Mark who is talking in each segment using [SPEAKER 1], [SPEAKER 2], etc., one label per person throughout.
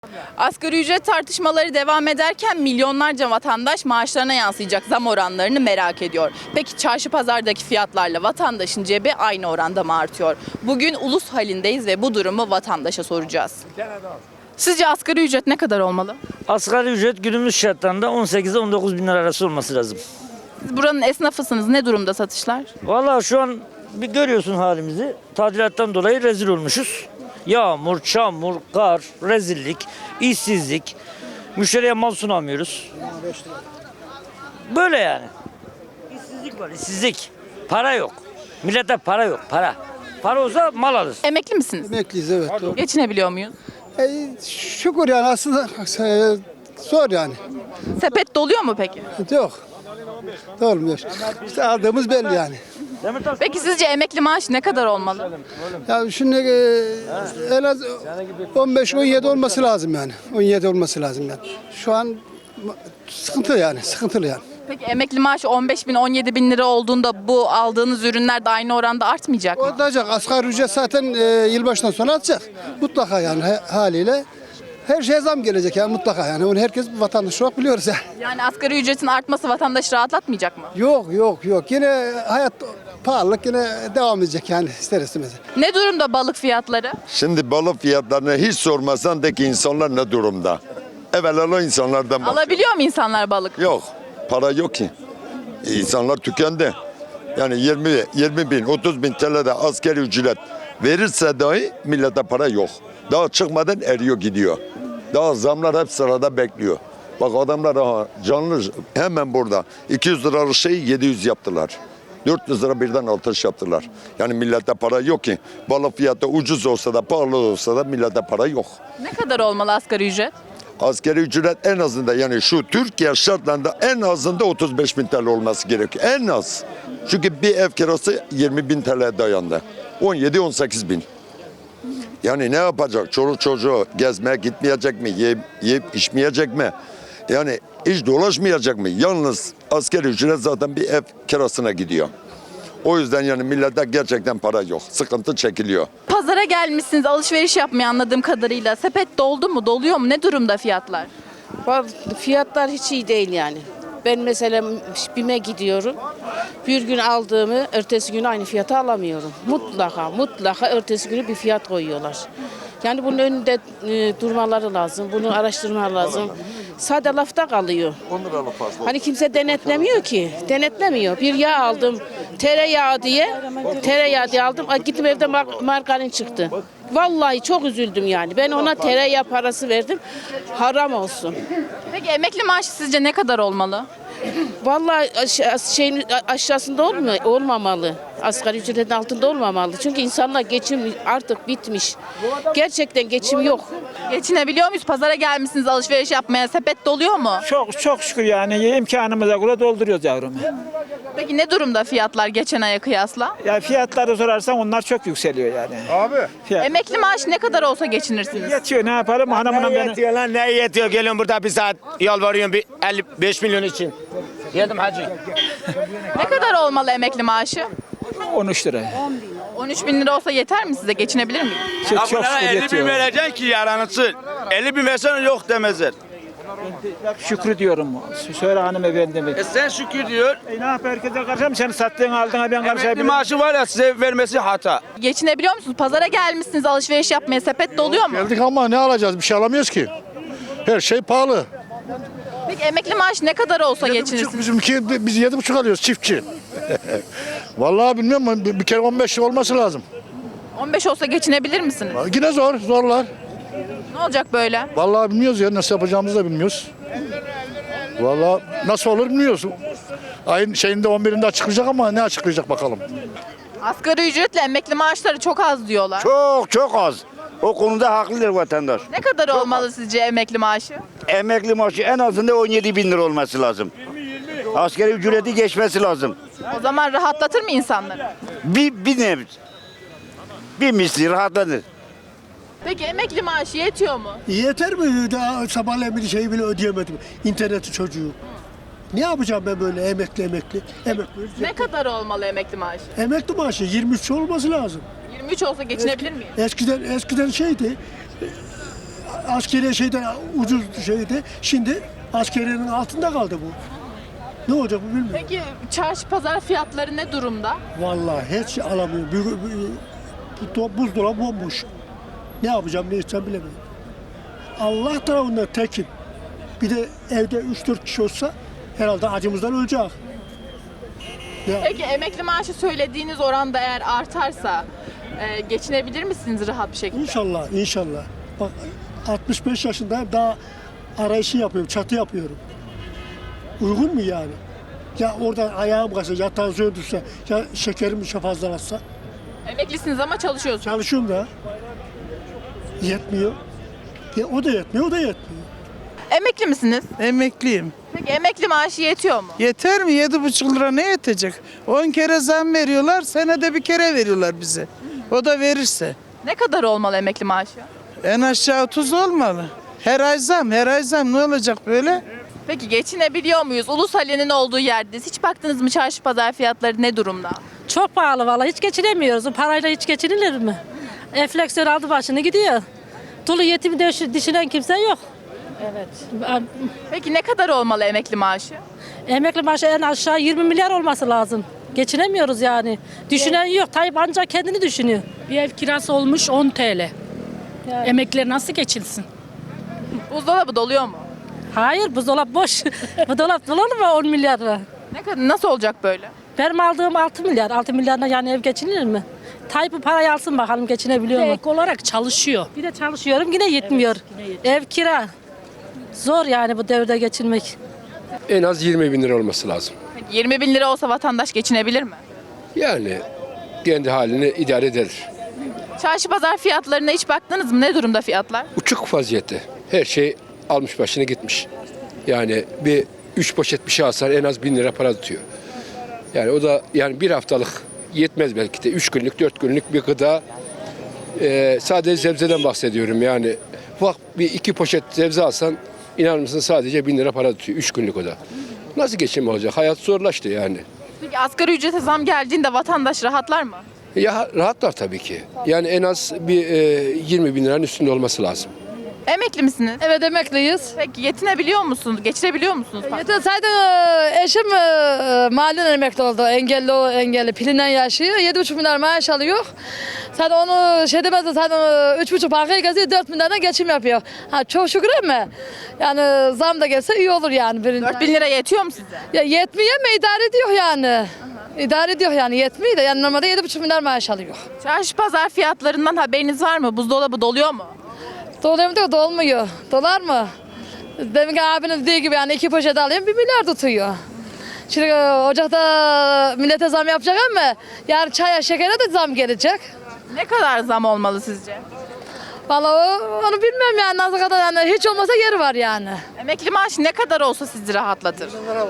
[SPEAKER 1] Asgari ücret tartışmaları devam ederken milyonlarca vatandaş maaşlarına yansıyacak zam oranlarını merak ediyor. Peki çarşı pazardaki fiyatlarla vatandaşın cebi aynı oranda mı artıyor? Bugün ulus halindeyiz ve bu durumu vatandaşa soracağız. Sizce asgari ücret ne kadar olmalı?
[SPEAKER 2] Asgari ücret günümüz şartlarında 18 ile 19 bin lira arası olması lazım.
[SPEAKER 1] Siz buranın esnafısınız. Ne durumda satışlar?
[SPEAKER 2] Vallahi şu an bir görüyorsun halimizi. Tadilattan dolayı rezil olmuşuz. Yağmur, çamur, kar, rezillik, işsizlik. Müşteriye mal sunamıyoruz. Böyle yani. İşsizlik var, işsizlik. Para yok. Millete para yok, para. Para olsa mal alır.
[SPEAKER 1] Emekli misiniz?
[SPEAKER 3] Emekliyiz, evet. Doğru.
[SPEAKER 1] Geçinebiliyor muyuz?
[SPEAKER 3] Şükür yani aslında zor yani.
[SPEAKER 1] Sepet doluyor mu peki?
[SPEAKER 3] Yok. Olmuyor. İşte aldığımız belli yani.
[SPEAKER 1] Peki sizce emekli maaşı ne kadar olmalı?
[SPEAKER 3] Ya şimdi en az 15-17 olması lazım yani. 17 olması lazım yani. Şu an sıkıntı yani, sıkıntılı yani.
[SPEAKER 1] Peki emekli maaşı 15 bin 17 bin lira olduğunda bu aldığınız ürünler de aynı oranda artmayacak mı?
[SPEAKER 3] Olacak. Asgari ücret zaten yılbaşından sonra atacak. Mutlaka yani haliyle. Her şeye zam gelecek yani mutlaka yani. Onu herkes vatandaş olarak biliyoruz ya.
[SPEAKER 1] Yani asgari ücretin artması vatandaşı rahatlatmayacak mı?
[SPEAKER 3] Yok. Yine hayat pahalılık yine devam edecek yani ister istemez.
[SPEAKER 1] Ne durumda balık fiyatları?
[SPEAKER 4] Şimdi balık fiyatlarını hiç sormasan de ki insanlar ne durumda? Evvela insanlardan bak.
[SPEAKER 1] Alabiliyor mu insanlar balık?
[SPEAKER 4] Yok. Para yok ki. İnsanlar tükendi. Yani 20 bin, 30 bin TL'de asgari ücret verirse dahi millete para yok. Daha çıkmadan eriyor gidiyor. Daha zamlar hep sırada bekliyor. Bak adamlar canlı hemen burada 200 liralık şeyi 700 yaptılar. 400 lira birden artış yaptılar. Yani millete para yok ki. Balık fiyatı ucuz olsa da pahalı olsa da millete para yok.
[SPEAKER 1] Ne kadar olmalı asgari ücret?
[SPEAKER 4] Asgari ücret en azında yani şu Türkiye şartlarında en azında 35 bin TL olması gerekiyor. En az. Çünkü bir ev kirası 20 bin TL'ye dayandı. 17-18 bin. Yani ne yapacak? Çoluk çocuğu gezmeye gitmeyecek mi? Yiyip içmeyecek mi? Yani hiç dolaşmayacak mı? Yalnız asgari ücret zaten bir ev kirasına gidiyor. O yüzden yani millette gerçekten para yok. Sıkıntı çekiliyor.
[SPEAKER 1] Pazara gelmişsiniz alışveriş yapmaya anladığım kadarıyla. Sepet doldu mu, doluyor mu? Ne durumda fiyatlar?
[SPEAKER 5] Fiyatlar hiç iyi değil yani. Ben mesela BİM'e gidiyorum. Bir gün aldığımı ertesi gün aynı fiyata alamıyorum. Mutlaka ertesi günü bir fiyat koyuyorlar. Yani bunun önünde durmaları lazım. Bunu araştırmaları lazım. Sade lafta kalıyor. Hani kimse denetlemiyor ki. Denetlemiyor. Bir yağ aldım. Tereyağı diye aldım. Gittim evde margarin çıktı. Vallahi çok üzüldüm yani. Ben ona tereyağı parası verdim. Haram olsun.
[SPEAKER 1] Peki emekli maaşı sizce ne kadar olmalı?
[SPEAKER 5] Vallahi şeyin aşağısında olmamalı. Asgari ücretin altında olmamalı. Çünkü insanlar geçim artık bitmiş. Gerçekten geçim yok.
[SPEAKER 1] Geçinebiliyor muyuz? Pazara gelmişsiniz alışveriş yapmaya. Sepet doluyor mu?
[SPEAKER 6] Çok şükür yani imkanımıza göre dolduruyoruz yavrum.
[SPEAKER 1] Peki ne durumda fiyatlar geçen aya kıyasla?
[SPEAKER 6] Ya fiyatları sorarsan onlar çok yükseliyor yani. Fiyat.
[SPEAKER 1] Emekli maaşı ne kadar olsa geçinirsiniz?
[SPEAKER 6] Yetiyor, ne yapalım hanımına
[SPEAKER 7] Ne
[SPEAKER 6] beni.
[SPEAKER 7] yetiyor lan, ne yetiyor? Geliyorum burada bir saat yalvarıyorum bir 55 milyon için. Geldim hacı.
[SPEAKER 1] Ne kadar olmalı emekli maaşı?
[SPEAKER 6] 13 lira.
[SPEAKER 1] 13 bin lira olsa yeter mi size? Geçinebilir miyim?
[SPEAKER 6] Çok şükür
[SPEAKER 7] 50 bin
[SPEAKER 6] yetiyor.
[SPEAKER 7] vereceksin ki yaranısı. 50 bin versen yok demezler.
[SPEAKER 6] Şükrü diyorum. Söyle hanımefendime.
[SPEAKER 7] Sen şükür diyor.
[SPEAKER 6] Ne yap herkese karışam, sen sattığın aldığına ben
[SPEAKER 7] Emekli
[SPEAKER 6] karışabilirim.
[SPEAKER 7] maaşı var ya size vermesi hata.
[SPEAKER 1] Geçinebiliyor musunuz? Pazara gelmişsiniz alışveriş yapmaya. Sepet doluyor mu?
[SPEAKER 8] Geldik ama ne alacağız? Bir şey alamıyoruz ki. Her şey pahalı.
[SPEAKER 1] Peki emekli maaşı ne kadar olsa geçinirsiniz?
[SPEAKER 8] Biz 7,5 alıyoruz çiftçi. Vallahi bilmiyorum ama bir kere 15 olması lazım.
[SPEAKER 1] 15 olsa geçinebilir misiniz?
[SPEAKER 8] Yine zorlar.
[SPEAKER 1] Ne olacak böyle?
[SPEAKER 8] Vallahi bilmiyoruz ya nasıl yapacağımızı da bilmiyoruz. Vallahi nasıl olur bilmiyoruz. Ayın şeyinde 11'inde açıklayacak ama ne açıklayacak bakalım.
[SPEAKER 1] Asgari ücretle emekli maaşları çok az diyorlar.
[SPEAKER 9] Çok az. O konuda haklıdır vatandaş.
[SPEAKER 1] Ne kadar olmalı sizce emekli maaşı?
[SPEAKER 9] Emekli maaşı en azından 17 bin lira olması lazım. Asgari ücreti geçmesi lazım.
[SPEAKER 1] O zaman rahatlatır mı insanları?
[SPEAKER 9] Bir nevi. Bir misli rahatlanır.
[SPEAKER 1] Peki emekli maaşı yetiyor mu?
[SPEAKER 10] Yeter mi? Daha sabahleyin bir şeyi bile ödeyemedim. İnterneti çocuğu. Ne yapacağım ben böyle emekli?
[SPEAKER 1] Ne kadar olmalı emekli maaşı?
[SPEAKER 10] Emekli maaşı 23 olması lazım.
[SPEAKER 1] 23 olsa geçinebilir miyim?
[SPEAKER 10] Eskiden şeydi. askeriye şeyden ucuz şeydi. Şimdi askeriyenin altında kaldı bu. Ne olacak bu bilmiyorum.
[SPEAKER 1] Peki çarşı pazar fiyatları ne durumda?
[SPEAKER 10] Vallahi hiç alamıyorum. Buzdolabı bomboş. Ne yapacağım ne edeceğim bilemiyorum. Allah tarafından tekim. Bir de evde 3-4 kişi olsa herhalde acımızdan ölecek. Ya,
[SPEAKER 1] Peki emekli maaşı söylediğiniz oranda eğer artarsa geçinebilir misiniz rahat bir şekilde?
[SPEAKER 10] İnşallah, inşallah. Bak 65 yaşındayım daha arayışı yapıyorum, çatı yapıyorum. Uygun mu yani? Ya oradan ayağım kaçsa, ya tansiyon düşse, ya şekerim fazlalaşsa.
[SPEAKER 1] Emeklisiniz ama çalışıyorsunuz.
[SPEAKER 10] Çalışıyorum da. Yetmiyor. Ya o da yetmiyor, o da yetmiyor.
[SPEAKER 1] Emekli misiniz?
[SPEAKER 11] Emekliyim.
[SPEAKER 1] Peki emekli maaşı yetiyor mu?
[SPEAKER 11] Yeter mi? 7,5 lira ne yetecek? 10 kere zam veriyorlar, senede bir kere veriyorlar bize. O da verirse.
[SPEAKER 1] Ne kadar olmalı emekli maaşı?
[SPEAKER 11] En aşağı 30 olmalı. Her ay zam, her ay zam. Ne olacak böyle?
[SPEAKER 1] Peki geçinebiliyor muyuz? Ulusale'nin olduğu yerdeyiz. Hiç baktınız mı çarşı pazar fiyatları ne durumda?
[SPEAKER 12] Çok pahalı vallahi hiç geçinemiyoruz. O parayla hiç geçinilir mi? Enflasyon aldı başını gidiyor. Dolu yetimi düşünen kimse yok. Evet.
[SPEAKER 1] Peki ne kadar olmalı emekli maaşı?
[SPEAKER 12] Emekli maaşı en aşağı 20 milyar olması lazım. Geçinemiyoruz yani. Düşünen yok. Tayyip ancak kendini düşünüyor.
[SPEAKER 13] Bir ev kirası olmuş 10 TL. Emekliler nasıl geçinsin?
[SPEAKER 1] Buzdolabı doluyor mu?
[SPEAKER 12] Hayır buzdolap boş. Bu dolap dolar mı 10 milyar lira?
[SPEAKER 1] Ne kadar nasıl olacak böyle?
[SPEAKER 12] Benim aldığım 6 milyar. 6 milyarla yani ev geçinilir mi? Tayyip bu parayı alsın bakalım geçinebiliyor mu?
[SPEAKER 13] Ek olarak çalışıyor.
[SPEAKER 12] Bir de çalışıyorum yine yetmiyor. Ev kira. Zor yani bu devirde geçinmek.
[SPEAKER 14] En az 20 bin lira olması lazım.
[SPEAKER 1] Peki 20 bin lira olsa vatandaş geçinebilir mi?
[SPEAKER 14] Yani kendi halini idare eder.
[SPEAKER 1] Çarşı pazar fiyatlarına hiç baktınız mı? Ne durumda fiyatlar?
[SPEAKER 14] Uçuk vaziyette. Her şey almış başını gitmiş. Yani bir 3 poşet bir şey alsan en az 1000 lira para tutuyor. Yani o da yani bir haftalık yetmez belki de. 3 günlük 4 günlük bir gıda. Sadece sebzeden bahsediyorum yani. Bak bir 2 poşet sebze alsan İnanır mısın sadece 1000 lira para tutuyor 3 günlük o da. Nasıl geçim olacak? Hayat zorlaştı yani.
[SPEAKER 1] Peki asgari ücrete zam geldiğinde vatandaş rahatlar mı?
[SPEAKER 14] Ya rahatlar tabii ki. Yani en az bir 20 bin liranın üstünde olması lazım.
[SPEAKER 1] Emekli misiniz?
[SPEAKER 15] Evet emekliyiz.
[SPEAKER 1] Peki yetinebiliyor musunuz? Geçirebiliyor musunuz?
[SPEAKER 15] Zaten eşim mahalleden emekli oldu. Engelli pilinden yaşıyor. 7,5 milyar maaş alıyor. Zaten onu şey demez de zaten 3,5 bankaya geziyor. 4 milyardan geçim yapıyor. Ha, çok şükür ama yani zam da gelse iyi olur yani.
[SPEAKER 1] 4 bin lira yetiyor mu size?
[SPEAKER 15] Ya yetmiyor ama idare ediyor yani. İdare ediyor yani yetmiyor da yani normalde 7,5 milyar maaş alıyor.
[SPEAKER 1] Çarşı pazar fiyatlarından haberiniz var mı? Buzdolabı doluyor mu?
[SPEAKER 15] Doluyor mu diyor, dolmuyor. Dolar mı? Deminki abiniz dediği gibi yani 2 poşet alayım 1 milyar tutuyor. Şimdi ocakta millete zam yapacak ama yarın çaya şekere de zam gelecek.
[SPEAKER 1] Ne kadar zam olmalı sizce?
[SPEAKER 15] Vallahi onu bilmem yani nasıl kadar yani hiç olmasa yeri var yani.
[SPEAKER 1] Emekli maaşı ne kadar olsa sizi rahatlatır?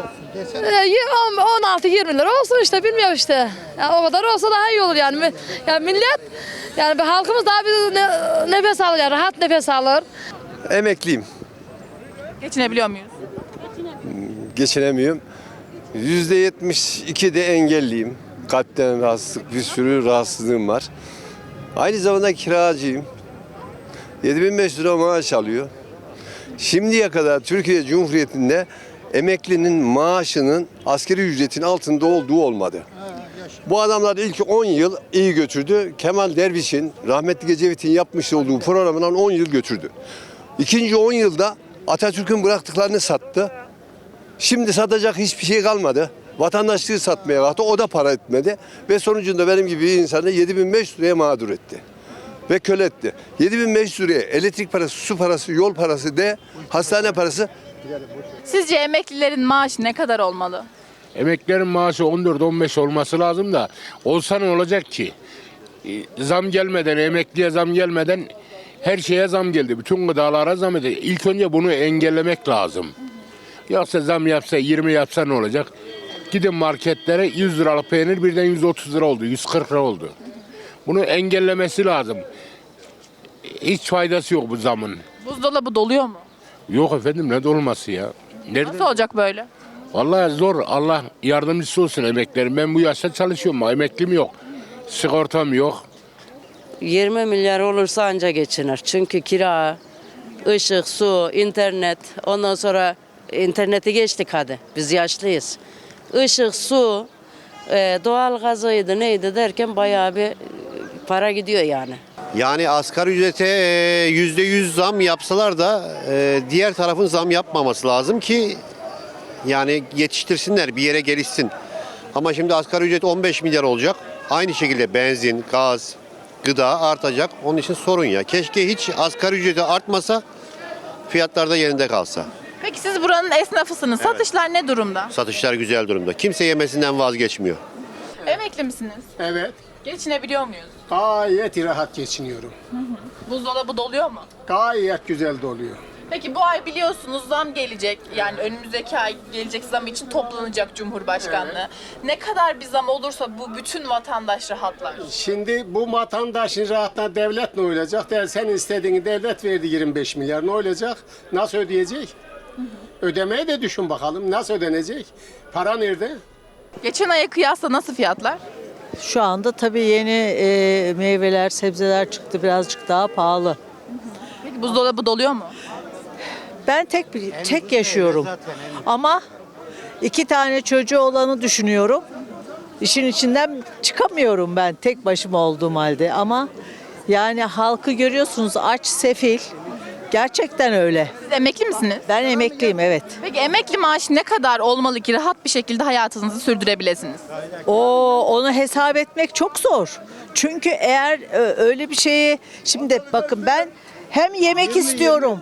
[SPEAKER 15] 16-20 lira olsun işte bilmiyorum işte. Yani o kadar olsa daha iyi olur yani. Yani millet yani bir halkımız daha bir nefes alır yani rahat nefes alır.
[SPEAKER 14] Emekliyim.
[SPEAKER 1] Geçinebiliyor muyuz?
[SPEAKER 14] Geçinemiyorum. %72 de engelliyim. Kalpten rahatsızlık, bir sürü rahatsızlığım var. Aynı zamanda kiracıyım. 7500 lira maaş alıyor. Şimdiye kadar Türkiye Cumhuriyeti'nde emeklinin maaşının asgari ücretin altında olduğu olmadı. Bu adamlar ilk 10 yıl iyi götürdü. Kemal Derviş'in, rahmetli Ecevit'in yapmış olduğu programından 10 yıl götürdü. İkinci 10 yılda Atatürk'ün bıraktıklarını sattı. Şimdi satacak hiçbir şey kalmadı. Vatandaşlığı satmaya kalktı. O da para etmedi. Ve sonucunda benim gibi bir insanı 7500 liraya mağdur etti. Ve köle etti. 7500 liraya elektrik parası, su parası, yol parası de hastane parası.
[SPEAKER 1] Sizce emeklilerin maaşı ne kadar olmalı?
[SPEAKER 16] Emeklilerin maaşı 14-15 olması lazım da olsa ne olacak ki? Zam gelmeden, emekliye zam gelmeden her şeye zam geldi. Bütün gıdalara zam geldi. İlk önce bunu engellemek lazım. Yoksa zam yapsa, 20 yapsa ne olacak? Gidin marketlere 100 liralık peynir birden 130 lira oldu, 140 lira oldu. Bunu engellemesi lazım. Hiç faydası yok bu zamın.
[SPEAKER 1] Buzdolabı doluyor mu?
[SPEAKER 16] Yok efendim ne dolması ya? Nerede?
[SPEAKER 1] Nasıl olacak böyle?
[SPEAKER 16] Vallahi zor. Allah yardımcısı olsun emeklerim. Ben bu yaşta çalışıyorum. Emeklim yok. Sigortam yok.
[SPEAKER 17] 20 milyar olursa anca geçinir. Çünkü kira,
[SPEAKER 5] Işık, su, internet, ondan sonra interneti geçtik hadi. Biz yaşlıyız. Işık, su, doğal gazıydı neydi derken bayağı bir para gidiyor yani.
[SPEAKER 17] Yani asgari ücrete %100 zam yapsalar da diğer tarafın zam yapmaması lazım ki yani yetiştirsinler, bir yere gelişsin. Ama şimdi asgari ücret 15 milyar olacak. Aynı şekilde benzin, gaz, gıda artacak. Onun için sorun ya. Keşke hiç asgari ücreti artmasa, fiyatlar da yerinde kalsa.
[SPEAKER 1] Peki siz buranın esnafısınız. Satışlar ne durumda?
[SPEAKER 17] Satışlar güzel durumda. Kimse yemesinden vazgeçmiyor.
[SPEAKER 1] Emekli misiniz?
[SPEAKER 10] Evet.
[SPEAKER 1] Geçinebiliyor muyuz?
[SPEAKER 10] Gayet rahat geçiniyorum.
[SPEAKER 1] Buzdolabı doluyor mu?
[SPEAKER 10] Gayet güzel doluyor.
[SPEAKER 1] Peki bu ay biliyorsunuz zam gelecek. Yani önümüzdeki ay gelecek zam için toplanacak Cumhurbaşkanlığı. Ne kadar bir zam olursa bu bütün vatandaş rahatlar.
[SPEAKER 10] Şimdi bu vatandaşın rahatına devlet ne olacak? Sen istediğini devlet verdi 25 milyar ne olacak? Nasıl ödeyecek? Ödemeyi de düşün bakalım. Nasıl ödenecek? Para nerede?
[SPEAKER 1] Geçen aya kıyasla nasıl fiyatlar?
[SPEAKER 12] Şu anda tabii yeni meyveler, sebzeler çıktı, birazcık daha pahalı.
[SPEAKER 1] Peki buzdolabı doluyor mu?
[SPEAKER 12] Ben tek yaşıyorum. Ama 2 tane çocuğu olanı düşünüyorum. İşin içinden çıkamıyorum ben tek başıma olduğum halde. Ama yani halkı görüyorsunuz, aç, sefil. Gerçekten öyle.
[SPEAKER 1] Siz emekli misiniz?
[SPEAKER 12] Ben emekliyim, evet.
[SPEAKER 1] Peki emekli maaşı ne kadar olmalı ki rahat bir şekilde hayatınızı sürdürebilirsiniz?
[SPEAKER 12] Onu hesap etmek çok zor. Çünkü eğer öyle bir şeyi, şimdi bakın ben hem yemek istiyorum,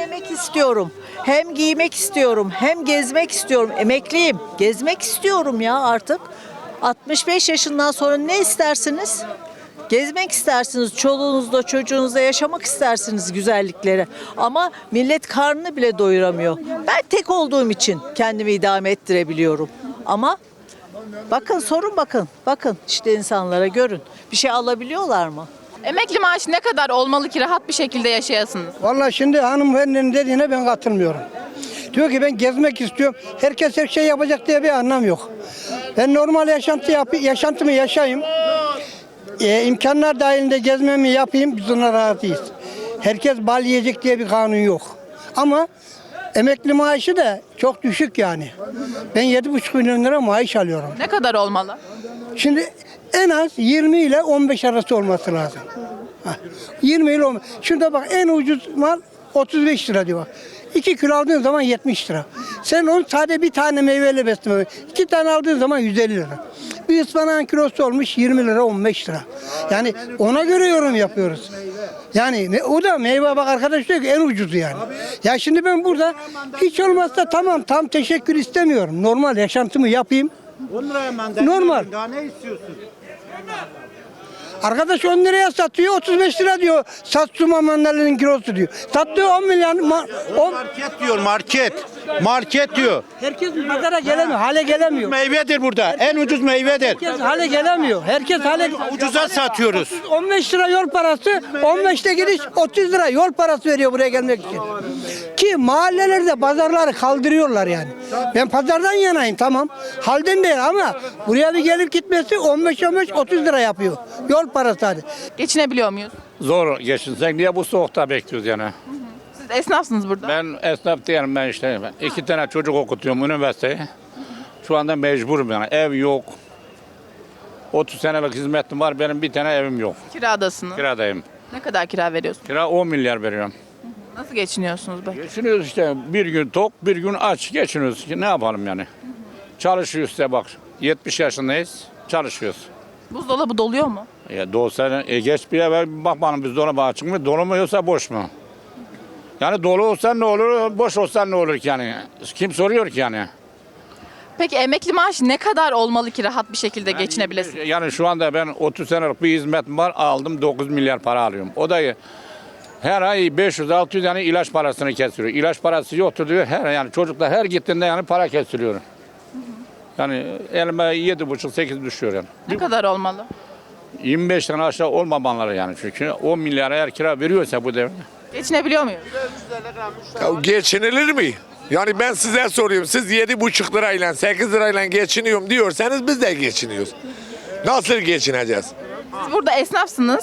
[SPEAKER 12] hem giymek istiyorum, hem gezmek istiyorum. Emekliyim, gezmek istiyorum ya artık. 65 yaşından sonra ne istersiniz? Gezmek istersiniz, çoluğunuzla, çocuğunuzla yaşamak istersiniz güzellikleri. Ama millet karnını bile doyuramıyor. Ben tek olduğum için kendimi idame ettirebiliyorum. Ama bakın, sorun bakın. Bakın işte insanlara görün. Bir şey alabiliyorlar mı?
[SPEAKER 1] Emekli maaşı ne kadar olmalı ki rahat bir şekilde yaşayasınız?
[SPEAKER 3] Vallahi şimdi hanımefendinin dediğine ben katılmıyorum. Diyor ki ben gezmek istiyorum. Herkes her şey yapacak diye bir anlam yok. Ben normal yaşantımı yaşayayım. İmkanlar dahilinde gezmemi yapayım, biz ona rahatıyız. Herkes bal yiyecek diye bir kanun yok. Ama emekli maaşı da çok düşük yani. Ben 7,5 milyon lira maaş alıyorum.
[SPEAKER 1] Ne kadar olmalı?
[SPEAKER 3] Şimdi en az 20 ile 15 arası olması lazım. 20 ile 15. Şurada bak en ucuz mal 35 lira diyor bak. 2 kilo aldığın zaman 70 lira. Sen onu sadece bir tane meyveyle besleme. 2 tane aldığın zaman 150 lira. Bir ıspanağın kilosu olmuş 20 lira 15 lira. Yani ona göre yorum yapıyoruz. Yani o da meyve bak arkadaş diyor ki en ucuzu yani. Ya şimdi ben burada hiç olmazsa tamam tam teşekkür istemiyorum. Normal yaşantımı yapayım.
[SPEAKER 6] 10 liraya mandalina.
[SPEAKER 3] Normal.
[SPEAKER 6] Daha ne istiyorsun?
[SPEAKER 3] Arkadaş 10 liraya satıyor 35 lira diyor. Satsuma mandalinin kilosu diyor. Sattığı 10 milyon.
[SPEAKER 6] Market diyor market. Market diyor.
[SPEAKER 3] Herkes pazara gelemiyor. Hale gelemiyor.
[SPEAKER 6] Meyvedir burada. En ucuz meyvedir.
[SPEAKER 3] Herkes hale gelemiyor. Herkes hale
[SPEAKER 6] Ucuza satıyoruz.
[SPEAKER 3] 15 lira yol parası, 15'te gidiş 30 lira yol parası veriyor buraya gelmek için. Ki mahallelerde pazarları kaldırıyorlar yani. Ben pazardan yanayım tamam. Halden değil ama buraya bir gelip gitmesi 15-30 lira yapıyor. Yol parası hadi.
[SPEAKER 1] Geçinebiliyor muyuz?
[SPEAKER 18] Zor geçinsek niye bu soğukta bekliyoruz yani?
[SPEAKER 1] Siz esnafsınız burada.
[SPEAKER 18] Ben esnaf değilim ben işte. 2 tane çocuk okutuyorum üniversiteye. Şu anda mecburum yani. Ev yok. 30 senelik hizmetim var. Benim bir tane evim yok.
[SPEAKER 1] Kiradasınız.
[SPEAKER 18] Kiradayım.
[SPEAKER 1] Ne kadar kira veriyorsunuz?
[SPEAKER 18] Kira 10 milyar veriyorum.
[SPEAKER 1] Nasıl geçiniyorsunuz be?
[SPEAKER 18] Geçiniyoruz işte. Bir gün tok, bir gün aç geçiniyoruz. Ne yapalım yani? Çalışıyoruz işte bak. 70 yaşındayız. Çalışıyoruz.
[SPEAKER 1] Buzdolabı doluyor mu?
[SPEAKER 18] Dolsa geç bir eve bakmanın biz dolaba açık mı? Dolu mu yoksa boş mu? Yani dolu olsa ne olur, boş olsa ne olur ki yani? Kim soruyor ki yani?
[SPEAKER 1] Peki emekli maaşı ne kadar olmalı ki rahat bir şekilde geçinebilesiniz?
[SPEAKER 18] Yani şu anda ben 30 senelik bir hizmetim var, aldım 9 milyar para alıyorum. O da her ay 500-600 yani ilaç parasını kesiyor. İlaç parası yoktur diyor. Yani çocuklar her gittiğinde yani para kesiliyor. Yani elime 7,5-8 düşüyor yani.
[SPEAKER 1] Ne kadar olmalı?
[SPEAKER 18] 25 tane aşağı olmamaları yani çünkü 10 milyara eğer kira veriyorsa bu devlet.
[SPEAKER 1] Geçinebiliyor muyuz?
[SPEAKER 19] Ya geçinilir mi? Yani ben size soruyorum. Siz 7,5 lirayla 8 lirayla geçiniyorum diyorsanız biz de geçiniyoruz. Nasıl geçineceğiz?
[SPEAKER 1] Siz burada esnafsınız.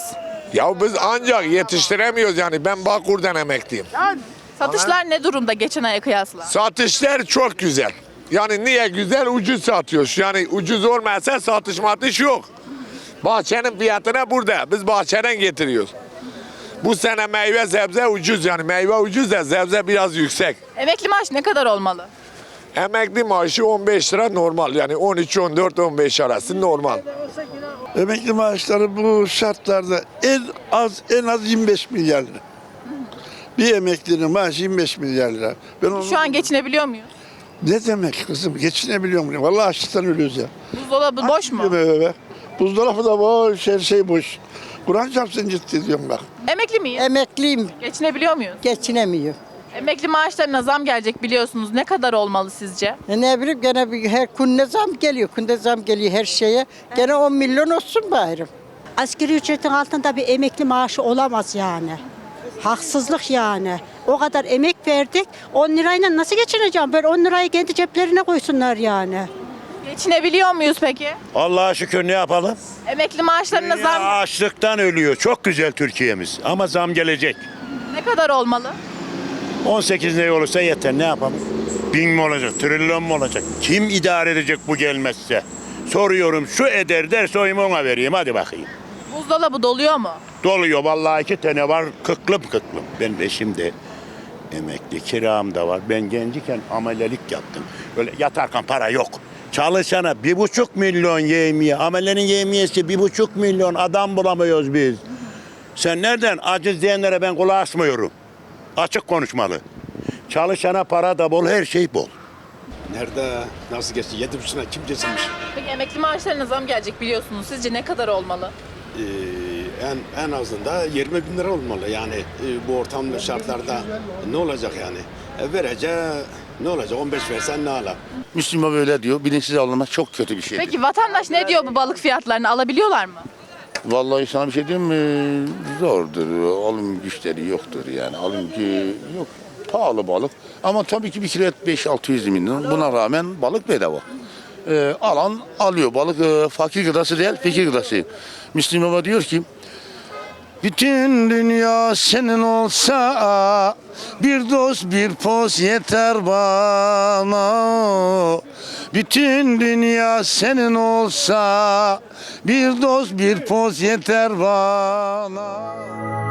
[SPEAKER 19] Ya biz ancak yetiştiremiyoruz yani. Ben Bağkur'dan emekliyim.
[SPEAKER 1] Satışlar ne durumda geçen aya kıyasla?
[SPEAKER 19] Satışlar çok güzel. Yani niye güzel? Ucuz satıyoruz. Yani ucuz olmasa satış matış yok. Bahçenin fiyatına burada. Biz bahçeden getiriyoruz. Bu sene meyve sebze ucuz yani. Meyve ucuz da sebze biraz yüksek.
[SPEAKER 1] Emekli maaş ne kadar olmalı?
[SPEAKER 19] Emekli maaşı 15 lira normal. Yani 13, 14, 15 arası normal.
[SPEAKER 20] Emekli maaşları bu şartlarda en az 25 milyar lira. Bir emeklinin maaşı 25 milyar lira.
[SPEAKER 1] Şu an geçinebiliyor muyuz?
[SPEAKER 20] Ne demek kızım? Geçinebiliyor muyum? Vallahi açlıktan ölüyoruz ya.
[SPEAKER 1] Buzdolabı boş mu?
[SPEAKER 20] Buzdolabı da boş, her şey boş. Kur'an çarpsın ciddi diyorum bak.
[SPEAKER 1] Emekli miyiz?
[SPEAKER 12] Emekliyim.
[SPEAKER 1] Geçinebiliyor muyuz?
[SPEAKER 12] Geçinemiyor.
[SPEAKER 1] Emekli maaşlarına zam gelecek biliyorsunuz. Ne kadar olmalı sizce?
[SPEAKER 12] Ne bileyim gene her günde zam geliyor. Günde zam geliyor her şeye. Gene 10 milyon olsun bari.
[SPEAKER 21] Asgari ücretin altında bir emekli maaşı olamaz yani. Haksızlık yani. O kadar emek verdik. 10 lirayla nasıl geçineceğim? Böyle 10 lirayı kendi ceplerine koysunlar yani.
[SPEAKER 1] Geçinebiliyor muyuz peki?
[SPEAKER 22] Allah'a şükür ne yapalım?
[SPEAKER 1] Emekli maaşlarına zam
[SPEAKER 22] Açlıktan ölüyor. Çok güzel Türkiye'miz. Ama zam gelecek.
[SPEAKER 1] ne kadar olmalı?
[SPEAKER 22] 18 ne olursa yeter. Ne yapalım? 1000 mi olacak? Trilyon mu olacak? Kim idare edecek bu gelmezse? Soruyorum şu eder derse oyumu ona vereyim. Hadi bakayım.
[SPEAKER 1] Buzdolabı doluyor mu?
[SPEAKER 22] Doluyor. Vallahi 2 tane var. Kıklım. Ben eşim de emekli. Kiram da var. Ben genciken amelelik yaptım. Böyle yatarken para yok. Çalışana 1,5 milyon yevmiye. Amelenin yevmiyesi 1,5 milyon. Adam bulamıyoruz biz. Sen nereden? Aciz diyenlere ben kulak asmıyorum. Açık konuşmalı. Çalışana para da bol, her şey bol.
[SPEAKER 23] Nerede? Nasıl geçti? 7,5'una kim geçirmiş?
[SPEAKER 1] Peki emekli maaşlarına zam gelecek biliyorsunuz. Sizce ne kadar olmalı?
[SPEAKER 23] En azından 20 bin lira olmalı. Yani bu ortamda şartlarda ne olacak yani? Vereceği ne olacak? 15 versen ne ala?
[SPEAKER 8] Müslüman böyle diyor. Bilinçsiz alınmak çok kötü bir şey.
[SPEAKER 1] Peki vatandaş ne diyor bu balık fiyatlarını? Alabiliyorlar mı?
[SPEAKER 8] Vallahi sana bir şey diyeyim mi? Zordur. Alım güçleri yoktur yani. Alım gücü yok. Pahalı balık. Ama tabii ki bir kilo et 5-600 milyon. Buna rağmen balık bedava. Alan alıyor. Balık fakir gıdası değil, fikir gıdası. Müslüm Baba diyor ki bütün dünya senin olsa bir dost bir poz yeter bana. Bütün dünya senin olsa bir dost bir poz yeter bana.